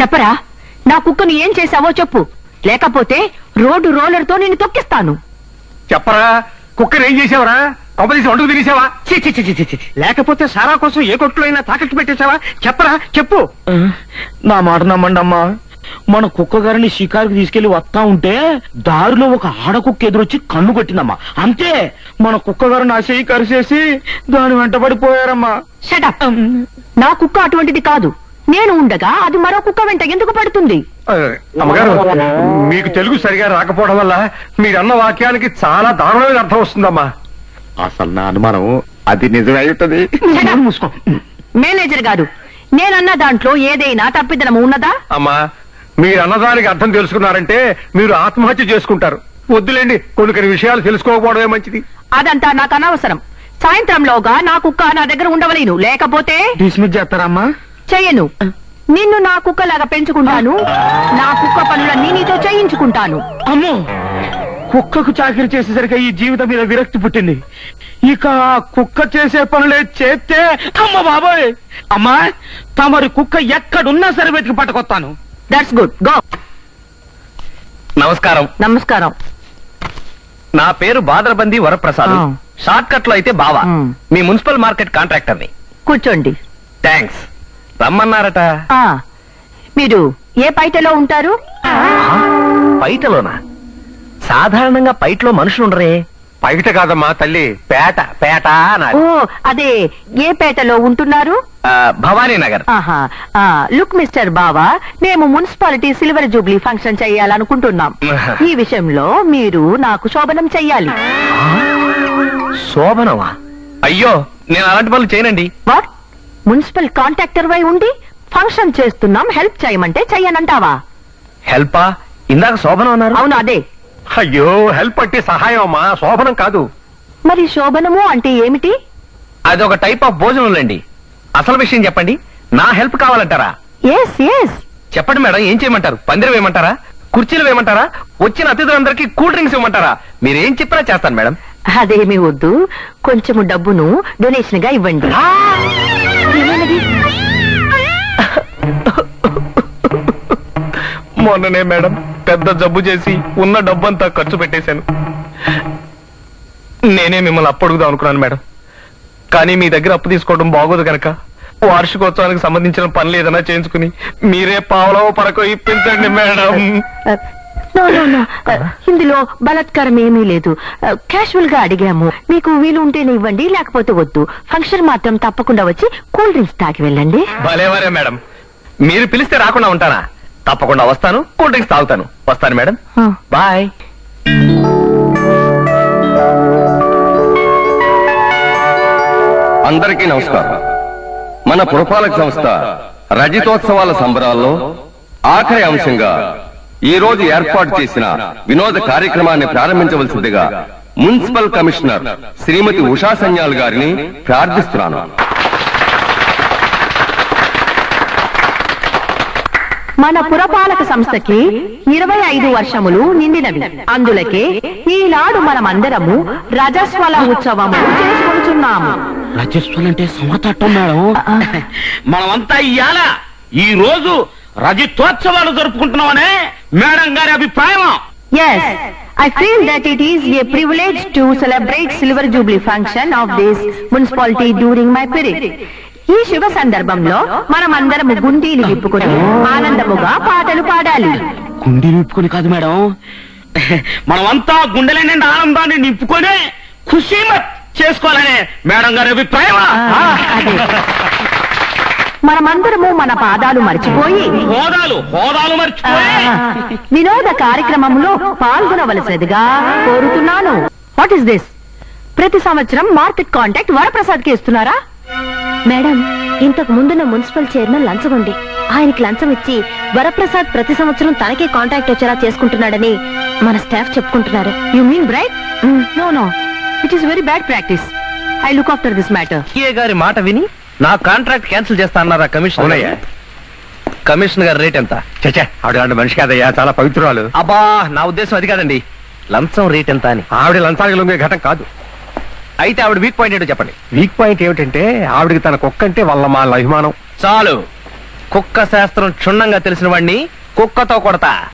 చెప్పరా, నా కుక్కను ఏం చేశావో చెప్పు, లేకపోతే రోడ్డు రోలర్తో నిన్ను తొక్కిస్తాను. చెప్పరా, కుక్కర్ ఏం చేసావరా? కొంపదీసి వండుకు తినేసావా? లేకపోతే సారా కోసం ఏ కొట్లో అయినా తాకట్టు పెట్టేశావా? చెప్పరా, చెప్పు. నా మాట నమ్మండి అమ్మా, మన కుక్క గారిని షికారుకి తీసుకెళ్లి వస్తా ఉంటే దారిలో ఒక ఆడకుక్క ఎదురొచ్చి కన్ను కొట్టిందమ్మా. అంతే, మన కుక్క గారు నా చెయ్యి కరిసేసి దాని వెంటబడిపోయారమ్మా. షటప్. నా కుక్క అటువంటిది కాదు. నేను ఉండగా అది మరో కుక్క వెంట ఎందుకు పడుతుంది? అమ్మగారు, మీకు తెలుగు సరిగా రాకపోవడం వల్ల మీరన్న వాక్యానికి చాలా దారుణమైన అర్థం వస్తుందమ్మా. అసలు నా అనుమానం అది నిజమై ఉంటది. మేనేజర్ గారు, నేనన్న దాంట్లో ఏదైనా తప్పిదనము ఉన్నదా? అమ్మా, మీరు అన్నదానికి అర్థం తెలుసుకున్నారంటే మీరు ఆత్మహత్య చేసుకుంటారు. వద్దులేండి, కొన్ని విషయాలు తెలుసుకోకపోవడమే మంచిది. అదంతా నాకు అనవసరం. సాయంత్రంలోగా నా కుక్క నా దగ్గర ఉండవలేను, లేకపోతే డిస్మిస్ చేస్తారమ్మా? చెయ్యను. నిన్ను నా కుక్కలాగా పెంచుకుంటాను, నా కుక్క పనులన్నీ నీతో చేయించుకుంటాను. అమ్మో, కుక్కకు చాకరీ చేసేసరికి ఈ జీవితం మీద విరక్తి పుట్టింది. ఇక కుక్క చేసే పనులే చేస్తే అమ్మ బాబోయ్. అమ్మా, తమరి కుక్క ఎక్కడున్నా సరే వెతికి పట్టుకొస్తాను. That's good, go. నమస్కారం. నమస్కారం. నా పేరు బాదరబంది వరప్రసాద్. ఆ. షార్ట్ కట్ లో అయితే బావా. మీ మున్సిపల్ మార్కెట్ కాంట్రాక్టర్ ని. కూర్చోండి. థ్యాంక్స్. రమ్మన్నారట. మీరు ఏ పైటలో ఉంటారు? పైటలోనా? సాధారణంగా పైటలో మనుషులు ఉండరే. పైట కాదమ్మా తల్లి, పేట. పేట అనాలి. ఓ, అదే, ఏ పేటలో ఉంటున్నారు? భవానీ నగర్. ఆహా. లుక్ మిస్టర్ బావా, మేము మున్సిపాలిటీ సిల్వర్ జూబ్లీ ఫంక్షన్ చెయ్యాలనుకుంటున్నాం. ఈ విషయంలో మీరు నాకు శోభనం చెయ్యాలి. శోభనమా? అయ్యో, నేను అలాంటి పనులు చేయనండి. వాట్? మున్సిపల్ కాంట్రాక్టర్ వై ఉండి ఫంక్షన్ చేస్తున్నాం, హెల్ప్ చేయమంటే చెయ్యనంటావా? హెల్పా? ఇందాక శోభనం అన్నారు. అవును, అదే. అయ్యో, హెల్ప్ అంటే సహాయం అమ్మా, శోభనం కాదు. మరి శోభనము అంటే ఏమిటి? అది ఒక టైప్ ఆఫ్ భోజనంలేండి. అసలు విషయం చెప్పండి. నా హెల్ప్ కావాలంటారా? Yes yes. చెప్పండి మేడం, ఏం చేయమంటారు? పందిరం వేయమంటారా? కుర్చీలు వేయమంటారా? వచ్చిన అతిథులందరికీ కూల్ డ్రింక్స్ ఇవ్వమంటారా? మీరేం చెప్పినా చేస్తాను మేడం. అదేమీ వద్దు, కొంచెము డబ్బును డొనేషన్ గా ఇవ్వండి. ఏమైనది? మొన్ననే మేడం పెద్ద జబ్బు చేసి ఉన్న డబ్బంతా ఖర్చు పెట్టేశాను. నేనే మిమ్మల్ని అప్పడుగుదాం అనుకున్నాను మేడం, కానీ మీ దగ్గర అప్పు తీసుకోవడం బాగోదు కనుక వార్షికోత్సవానికి సంబంధించిన పనులు ఏదైనా చేయించుకుని మీరే పావలో పరకో ఇప్పించండి మేడం. నో నో నో, ఇందులో బలాత్కారం ఏమీ లేదు. క్యాషువల్ గా అడిగాము. మీకు వీలు ఉంటేనే ఇవ్వండి, లేకపోతే వద్దు. ఫంక్షన్ మాత్రం తప్పకుండా వచ్చి కూల్ డ్రింక్స్ తాగి వెళ్ళండి. భలేవరే మేడం, మీరు పిలిస్తే రాకుండా ఉంటానా? తప్పకుండా వస్తాను, కూల్ డ్రింక్స్ తాగుతాను. వస్తాను మేడం, బాయ్. అందరికీ నమస్కారం. మన పురపాలక సంస్థ రజతోత్సవాల సంబరాల్లో ఆఖరి అంశంగా ఈ రోజు ఏర్పాటు చేసిన వినోద కార్యక్రమాన్ని ప్రారంభించవలసిందిగా మున్సిపల్ కమిషనర్ శ్రీమతి ఉషా సన్యాల్ గారిని ప్రార్థిస్తున్నాను. మన పురపాలక సంస్థకి 25 వర్షములు నిండినవి. అందులకే ఈనాడు మనమందరము రజస్వల ఉత్సవము చేసుకుంటున్నాము. రజస్వల్ అంటే సమతట్టం మేడం. మనమంతా ఇవాళ ఈ రోజు రజతోత్సవాలు జరుపుకుంటున్నామనే మేడం గారి అభిప్రాయం. Yes, I feel that it is a privilege to celebrate Silver Jubilee function of this municipality during my period. ఈ శుభ సందర్భంలో మనమందరము గుండీలు విప్పుకొని ఆనందముగా పాటలు పాడాలి. గుండె నింపుకొని కాదు మేడం, మనమంతా గుండెల నిండా ఆనందాన్ని నింపుకొని ఖుషీమత్ చేసుకోవాలనే మేడం గారి అభిప్రాయం. అదే, మనమందరము మన పాదాలు మర్చిపోయి హోదాలు మర్చిపోయి వినోద కార్యక్రమంలో పాల్గొనవలసినదిగా కోరుతున్నాను. What is this? ప్రతి సంవత్సరం మార్కెట్ కాంట్రాక్ట్ వరప్రసాద్ కి ఇస్తున్నారా? మేడం, ఇంతకు ముందున్న మున్సిపల్ చైర్మన్ లంచం ఉంది. ఆయనకి లంచం ఇచ్చి వరప్రసాద్ ప్రతి సంవత్సరం తనకే కాంట్రాక్ట్ వచ్చేలా చేసుకుంటున్నాడని మన స్టాఫ్ చెప్పుకుంటున్నారు. You mean bright? No no, it is very bad practice. I look after this matter. ఏ గారి మాట విని నా కాంట్రాక్ట్ క్యాన్సిల్ చేస్తా అన్నారా కమిషనర్? కమిషనర్ గారి రేట్ ఎంత? చచ్చా, ఆవిడ మనిషి కాదయ్యా, చాలా పవిత్రురాలు. అబ్బా, నా ఉద్దేశం అది కాదండి. లంచం రేట్ ఎంత అని. ఆవిడ లంచానికి లొంగే ఘటం కాదు. అయితే ఆవిడ వీక్ పాయింట్ ఏంటో చెప్పండి. వీక్ పాయింట్ ఏమిటంటే ఆవిడకి తన కుక్క అంటే వాళ్ళ మా అభిమానం. చాలు, కుక్క శాస్త్రం క్షుణ్ణంగా తెలిసిన వాడిని కుక్కతో కొడతా